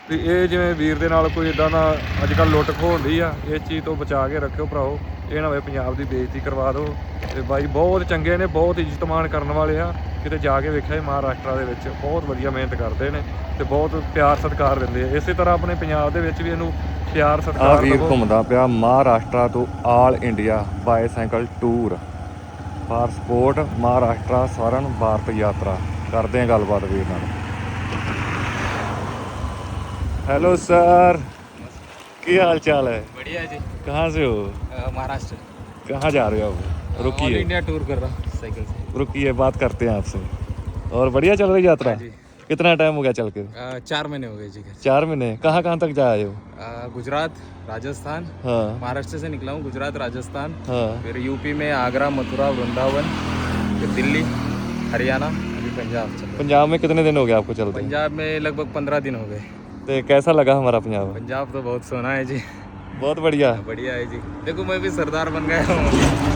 ਵੀ ਇਹ ਜਿਵੇਂ ਵੀਰ ਦੇ ਨਾਲ ਕੋਈ ਇਦਾਂ ਦਾ ਅੱਜ ਕੱਲ੍ਹ ਲੁੱਟ ਖੋਹ ਹੁੰਦੀ ਆ, ਇਸ ਚੀਜ਼ ਤੋਂ ਬਚਾ ਕੇ ਰੱਖਿਓ ਭਰਾਓ। ਇਹ ਨਾ ਹੋਵੇ ਪੰਜਾਬ ਦੀ ਬੇਇੱਜ਼ਤੀ ਕਰਵਾ ਦਿਓ। ਤੇ ਬਾਈ ਬਹੁਤ ਚੰਗੇ ਨੇ, ਬਹੁਤ ਇੱਜ਼ਤ ਮਾਣ ਕਰਨ ਵਾਲੇ ਆ। ਕਿਤੇ ਜਾ ਕੇ ਵੇਖਿਆ ਮਹਾਰਾਸ਼ਟਰ ਦੇ ਵਿੱਚ ਬਹੁਤ ਵਧੀਆ ਮਿਹਨਤ ਕਰਦੇ ਨੇ ਤੇ ਬਹੁਤ ਪਿਆਰ ਸਤਿਕਾਰ ਦਿੰਦੇ ਆ। ਇਸੇ ਤਰ੍ਹਾਂ ਆਪਣੇ ਪੰਜਾਬ ਦੇ ਵਿੱਚ ਵੀ ਇਹਨੂੰ ਪਿਆਰ ਸਤਿਕਾਰ ਵੀਰ ਘੁੰਮਦਾ ਪਿਆ ਮਹਾਰਾਸ਼ਟਰ ਤੋਂ all India bicycle tour for support Maharashtra Swarn Bharat Yatra. ਕਰਦੇ ਆ ਗੱਲਬਾਤ ਵੀਰ ਨਾਲ। हेलो सर, क्या हाल चाल है? बढ़िया जी। कहाँ से हो? महाराष्ट्र। कहाँ जा रहे हो आप? रुकिए, ऑल इंडिया टूर कर रहा हूँ साइकिल से। रुकिए, बात करते हैं आपसे। और बढ़िया चल रही यात्रा? जी। कितना टाइम हो गया चल के? 4 महीने हो गए जी। 4 महीने। कहाँ कहाँ तक जा आए हो? गुजरात, राजस्थान। हाँ महाराष्ट्र से निकला हूँ, गुजरात, राजस्थान, हाँ। फिर यूपी में आगरा, मथुरा, वृंदावन, फिर दिल्ली, हरियाणा, अभी पंजाब चल रहा पंजाब में कितने दिन हो गए आपको हूँ। चलते? पंजाब में लगभग 15 दिन हो गए। तो कैसा लगा हमारा पंजाब? पंजाब तो बहुत सोना है जी। बहुत बढ़िया। बढ़िया है जी। देखो मैं भी सरदार बन गया हूँ,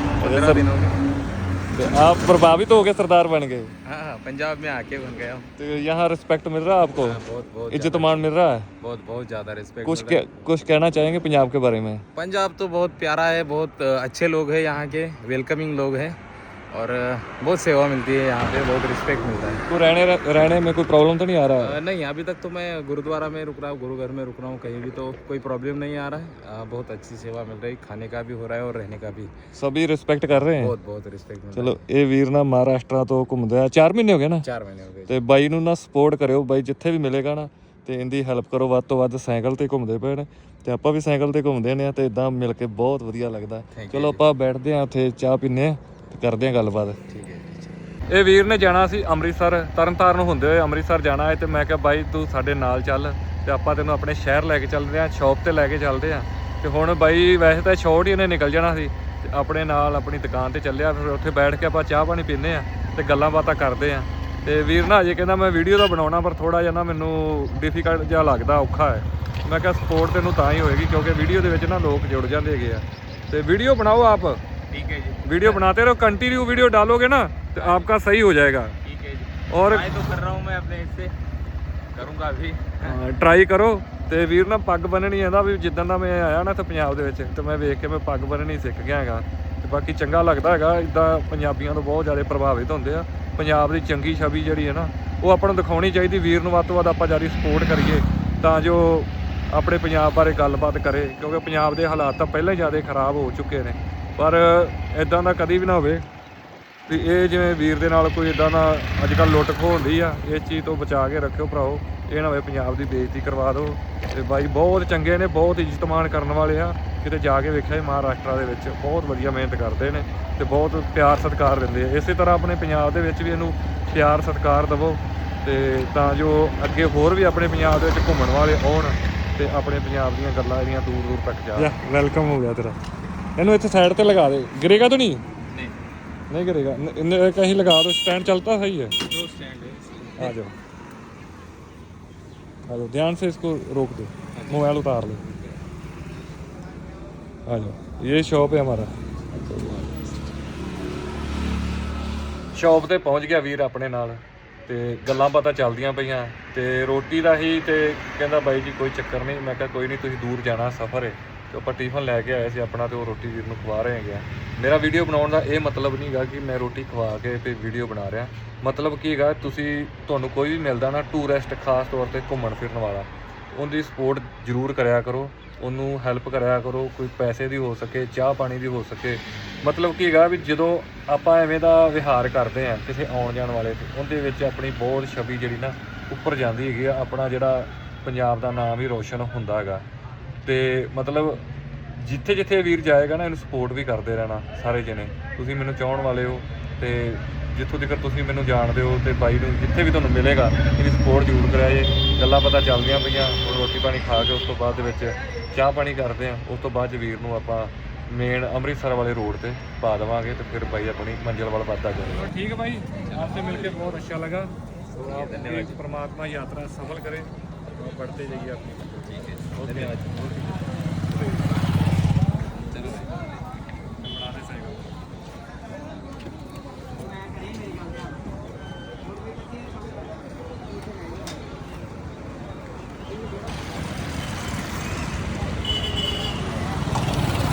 15 दिन हो गए। तो आप प्रभावित हो गए, सरदार बन गए? हाँ, पंजाब में आके बन गया हूँ। तो यहाँ रिस्पेक्ट मिल रहा है आपको? बहुत बहुत इज्जत मान मिल रहा है? बहुत ज़्यादा रिस्पेक्ट। कुछ कहना चाहेंगे पंजाब के बारे में? पंजाब तो बहुत प्यारा है, बहुत अच्छे लोग हैं यहाँ के, वेलकमिंग लोग हैं और बहुत सेवा मिलती है यहाँ पे, बहुत रिस्पेक्ट मिलता है। तो रहने में कोई प्रॉब्लम तो नहीं आ रहा है? नहीं, अभी तक तो मैं गुरुद्वारा में रुक रहा हूँ, गुरु घर में रुक रहा हूँ, कहीं भी तो कोई प्रॉब्लम नहीं आ रहा है। बहुत अच्छी सेवा मिल रही, खाने का भी हो रहा है और रहने का भी। सभी रिस्पेक्ट कर रहे हैं? बहुत बहुत रिस्पेक्ट मिल ਚਲੋ ਇਹ ਵੀਰ ਨਾ ਮਹਾਰਾਸ਼ਟਰ ਤੋਂ ਘੁੰਮਦਾ 4 ਮਹੀਨੇ ਹੋ ਗਏ ਨਾ? 4 महीने हो गए। ਤੇ ਬਾਈ ਨੂੰ ਨਾ ਸਪੋਰਟ ਕਰਿਓ, ਬਾਈ ਜਿੱਥੇ ਵੀ ਮਿਲੇਗਾ ਨਾ ਤੇ ਇਹਦੀ ਹੈਲਪ ਕਰੋ ਵੱਧ ਤੋਂ ਵੱਧ। ਸਾਈਕਲ ਤੇ ਘੁੰਮਦੇ ਪਏ ਨੇ ਤੇ ਆਪਾਂ ਵੀ ਸਾਈਕਲ ਤੇ ਘੁੰਮਦੇ ਨੇ ਤੇ ਇਦਾਂ ਮਿਲ ਕੇ ਬਹੁਤ ਵਧੀਆ ਲੱਗਦਾ। ਚਲੋ ਆਪਾਂ ਬੈਠਦੇ ਆ ਉੱਥੇ, ਚਾਹ ਪੀਂਦੇ ਆ ਤੇ ਕਰਦੇ ਆ ਗੱਲਬਾਤ। ठीक है। ਇਹ ਵੀਰ ਨੇ ਜਾਣਾ ਸੀ ਅੰਮ੍ਰਿਤਸਰ, ਤਰਨਤਾਰਨ ਹੁੰਦੇ ਹੋਏ ਅੰਮ੍ਰਿਤਸਰ ਜਾਣਾ ਹੈ। ਤੇ ਮੈਂ ਕਿਹਾ ਬਾਈ ਤੂੰ ਸਾਡੇ ਨਾਲ ਚੱਲ ਤੇ ਆਪਾਂ ਤੈਨੂੰ ਆਪਣੇ ਸ਼ਹਿਰ ਲੈ ਕੇ ਚੱਲਦੇ ਆ, ਸ਼ੌਪ ਤੇ ਲੈ ਕੇ ਚੱਲਦੇ ਆ। ਤੇ ਹੁਣ ਬਾਈ ਵੈਸੇ ਤਾਂ ਸ਼ੌਟ ਹੀ ਇਹਨੇ ਨਿਕਲ ਜਾਣਾ ਸੀ ਤੇ ਆਪਣੇ ਨਾਲ ਆਪਣੀ ਦੁਕਾਨ ਤੇ ਚੱਲਿਆ। ਫਿਰ ਉੱਥੇ ਬੈਠ ਕੇ ਆਪਾਂ ਚਾਹ ਪਾਣੀ ਪੀਂਦੇ ਆ ਤੇ ਗੱਲਾਂ ਬਾਤਾਂ ਕਰਦੇ ਆ। ਤੇ ਵੀਰ ਨਾ ਅਜੇ ਕਹਿੰਦਾ ਮੈਂ ਵੀਡੀਓ ਦਾ ਬਣਾਉਣਾ, ਪਰ ਥੋੜਾ ਜਿਹਾ ਨਾ ਮੈਨੂੰ ਡਿਫਿਕਲਟ ਜਿਹਾ ਲੱਗਦਾ, ਔਖਾ ਹੈ। ਮੈਂ ਕਿਹਾ ਸਪੋਰਟ ਤੈਨੂੰ ਤਾਂ ਹੀ ਹੋਏਗੀ ਕਿਉਂਕਿ ਵੀਡੀਓ ਦੇ ਵਿੱਚ ਨਾ ਲੋਕ ਜੁੜ ਜਾਂਦੇ ਹੈਗੇ ਆ। ਤੇ ਵੀਡੀਓ ਬਣਾਓ आप, ठीक है जी। वीडियो बनाते रहो, कंटिन्यू वीडियो डालोगे ना तो आपका सही हो जाएगा। ठीक है जी। और ट्राई तो कर रहा हूँ मैं अपने इससे, करूँगा अभी। ਟਰਾਈ ਕਰੋ। ਤੇ ਵੀਰ ਨਾ ਪੱਗ ਬੰਨਣੀ ਆਂਦਾ ਵੀ ਜਿੱਦਾਂ ਦਾ ਮੈਂ ਆਇਆ ਨਾ ਇੱਥੇ ਪੰਜਾਬ ਦੇ ਵਿੱਚ ਤੇ ਮੈਂ ਵੇਖ ਕੇ ਮੈਂ ਪੱਗ ਬੰਨਣੀ ਸਿੱਖ ਗਿਆ ਹੈਗਾ। ਤੇ ਬਾਕੀ ਚੰਗਾ ਲੱਗਦਾ ਹੈਗਾ, ਇੱਦਾਂ ਪੰਜਾਬੀਆਂ ਤੋਂ ਬਹੁਤ ਜ਼ਿਆਦਾ ਪ੍ਰਭਾਵਿਤ ਹੁੰਦੇ ਆ। ਪੰਜਾਬ ਦੀ ਚੰਗੀ ਛਵੀ ਜਿਹੜੀ ਹੈ ਨਾ ਉਹ ਆਪਾਂ ਨੂੰ ਦਿਖਾਉਣੀ ਚਾਹੀਦੀ। ਵੀਰ ਨੂੰ ਵੱਧ ਤੋਂ ਵੱਧ ਆਪਾਂ ਜ਼ਿਆਦਾ ਸਪੋਰਟ ਕਰੀਏ ਤਾਂ ਜੋ ਆਪਣੇ ਪੰਜਾਬ ਬਾਰੇ ਗੱਲਬਾਤ ਕਰੇ, ਕਿਉਂਕਿ ਪੰਜਾਬ ਦੇ ਹਾਲਾਤ ਤਾਂ ਪਹਿਲਾਂ ਹੀ ਜ਼ਿਆਦਾ ਖਰਾਬ ਹੋ ਚੁੱਕੇ ਨੇ। ਪਰ ਇਦਾਂ ਦਾ ਕਦੀ ਵੀ ਨਾ ਹੋਵੇ ਵੀ ਇਹ ਜਿਵੇਂ ਵੀਰ ਦੇ ਨਾਲ ਕੋਈ ਇਦਾਂ ਦਾ ਅੱਜ ਕੱਲ੍ਹ ਲੁੱਟ ਖੋਹ ਹੁੰਦੀ ਆ। ਇਸ ਚੀਜ਼ ਤੋਂ ਬਚਾ ਕੇ ਰੱਖਿਓ ਭਰਾਓ। ਇਹ ਨਾ ਹੋਵੇ ਪੰਜਾਬ ਦੀ ਬੇਇੱਜ਼ਤੀ ਕਰਵਾ ਦਿਓ। ਤੇ ਬਾਈ ਬਹੁਤ ਚੰਗੇ ਨੇ, ਬਹੁਤ ਇੱਜ਼ਤ ਮਾਣ ਕਰਨ ਵਾਲੇ ਆ। ਕਿਤੇ ਜਾ ਕੇ ਵੇਖਿਆ ਮਹਾਰਾਸ਼ਟਰ ਦੇ ਵਿੱਚ ਬਹੁਤ ਵਧੀਆ ਮਿਹਨਤ ਕਰਦੇ ਨੇ ਤੇ ਬਹੁਤ ਪਿਆਰ ਸਤਿਕਾਰ ਦਿੰਦੇ ਆ। ਇਸੇ ਤਰ੍ਹਾਂ ਆਪਣੇ ਪੰਜਾਬ ਦੇ ਵਿੱਚ ਵੀ ਇਹਨੂੰ ਪਿਆਰ ਸਤਿਕਾਰ ਦੇਵੋ ਤੇ ਤਾਂ ਜੋ ਅੱਗੇ ਹੋਰ ਵੀ ਆਪਣੇ ਪੰਜਾਬ ਦੇ ਵਿੱਚ ਘੁੰਮਣ ਵਾਲੇ ਆਉਣ ਤੇ ਆਪਣੇ ਪੰਜਾਬ ਦੀਆਂ ਗੱਲਾਂ ਜਿਹੜੀਆਂ ਦੂਰ ਦੂਰ ਤੱਕ ਜਾਣ। ਵੈਲਕਮ ਹੋ ਗਿਆ ਤੇਰਾ। ਇਹਨੂੰ ਇੱਥੇ ਸਾਈਡ ਤੇ ਲਗਾ ਦੇ, ਗਿਰੇਗਾ ਤਾਂ ਨਹੀਂ? नहीं गिरेगा। कहीं लगा दो, स्टैंड चलता सही है। दो स्टैंड है। आ जाओ आ जाओ, ध्यान से इसको रोक दो, मोबाइल उतार लो। आ जाओ, ये शॉप है हमारा। ਸ਼ੌਪ ਤੇ ਪਹੁੰਚ ਗਿਆ ਵੀਰ ਆਪਣੇ ਨਾਲ ਤੇ ਗੱਲਾਂ ਬਾਤਾਂ ਚੱਲਦੀਆਂ ਪਈਆਂ ਤੇ ਰੋਟੀ ਦਾ ਹੀ ਤੇ ਕਹਿੰਦਾ ਬਾਈ ਜੀ ਕੋਈ ਚੱਕਰ ਨਹੀਂ। ਮੈਂ ਕਿਹਾ ਕੋਈ ਨਹੀਂ, ਤੁਸੀਂ ਦੂਰ ਜਾਣਾ, ਸਫ਼ਰ ਹੈ। ਤੇ ਆਪਾਂ ਟਿਫਨ ਲੈ ਕੇ ਆਏ ਸੀ ਆਪਣਾ ਤੇ ਉਹ ਰੋਟੀ ਵੀਰ ਨੂੰ ਖਵਾ ਰਹੇ ਹੈਗੇ ਆ। ਮੇਰਾ ਵੀਡੀਓ ਬਣਾਉਣ ਦਾ ਇਹ ਮਤਲਬ ਨਹੀਂ ਹੈਗਾ ਕਿ ਮੈਂ ਰੋਟੀ ਖਵਾ ਕੇ ਤੇ ਵੀਡੀਓ ਬਣਾ ਰਿਹਾ। ਮਤਲਬ ਕੀ ਹੈਗਾ, ਤੁਹਾਨੂੰ ਕੋਈ ਵੀ ਮਿਲਦਾ ਨਾ ਟੂਰਿਸਟ, ਖਾਸ ਤੌਰ ਤੇ ਘੁੰਮਣ ਫਿਰਨ ਵਾਲਾ, ਉਹਦੀ ਸਪੋਰਟ ਜ਼ਰੂਰ ਕਰਿਆ ਕਰੋ, ਉਹਨੂੰ ਹੈਲਪ ਕਰਿਆ ਕਰੋ। ਕੋਈ ਪੈਸੇ ਦੀ ਹੋ ਸਕੇ, ਚਾਹ ਪਾਣੀ ਦੀ ਹੋ ਸਕੇ। ਮਤਲਬ ਕੀ ਹੈਗਾ ਵੀ ਜਦੋਂ ਆਪਾਂ ਐਵੇਂ ਦਾ ਵਿਹਾਰ ਕਰਦੇ ਆ ਕਿਸੇ ਆਉਣ ਜਾਣ ਵਾਲੇ ਤੇ ਉਹਦੇ ਵਿੱਚ ਆਪਣੀ ਬਹੁਤ ਛਵੀ ਜਿਹੜੀ ਨਾ ਉੱਪਰ ਜਾਂਦੀ ਹੈਗੀ ਆ। ਆਪਣਾ ਜਿਹੜਾ ਪੰਜਾਬ ਦਾ ਨਾਮ ਵੀ ਰੋਸ਼ਨ ਹੁੰਦਾ ਹੈਗਾ। ਤੇ ਮਤਲਬ ਜਿੱਥੇ ਜਿੱਥੇ ਵੀਰ ਜਾਏਗਾ ਨਾ ਇਹਨੂੰ ਸਪੋਰਟ ਵੀ ਕਰਦੇ ਰਹਿਣਾ ਸਾਰੇ ਜਣੇ। ਤੁਸੀਂ ਮੈਨੂੰ ਚਾਹਣ ਵਾਲੇ ਹੋ ਤੇ ਜਿੱਥੋਂ ਤੱਕ ਤੁਸੀਂ ਮੈਨੂੰ ਜਾਣਦੇ ਹੋ ਤੇ ਬਾਈ ਨੂੰ ਜਿੱਥੇ ਵੀ ਤੁਹਾਨੂੰ ਮਿਲੇਗਾ ਇਹਦੀ ਸਪੋਰਟ ਜ਼ਰੂਰ ਕਰਿਆ ਜੇ। ਗੱਲਾਂ ਪਤਾ ਚੱਲਦੀਆਂ ਪਈਆਂ, ਹੁਣ ਰੋਟੀ ਪਾਣੀ ਖਾ ਕੇ ਉਸ ਤੋਂ ਬਾਅਦ ਦੇ ਵਿੱਚ ਚਾਹ ਪਾਣੀ ਕਰਦੇ ਆ। ਉਸ ਤੋਂ ਬਾਅਦ 'ਚ ਵੀਰ ਨੂੰ ਆਪਾਂ ਮੇਨ ਅੰਮ੍ਰਿਤਸਰ ਵਾਲੇ ਰੋਡ ਤੇ ਪਾ ਦੇਵਾਂਗੇ ਤੇ ਫਿਰ ਬਾਈ ਆਪਣੀ ਮੰਜ਼ਿਲ ਵੱਲ ਵੱਧਦਾ ਜਾਏਗਾ। ठीक है भाई, आपसे मिलकर बहुत अच्छा लगा। तो आप धन्यवाद। परमात्मा यात्रा सफल करे और बढ़ते जाइए अपनी। ठीक है, धन्यवाद। चलो।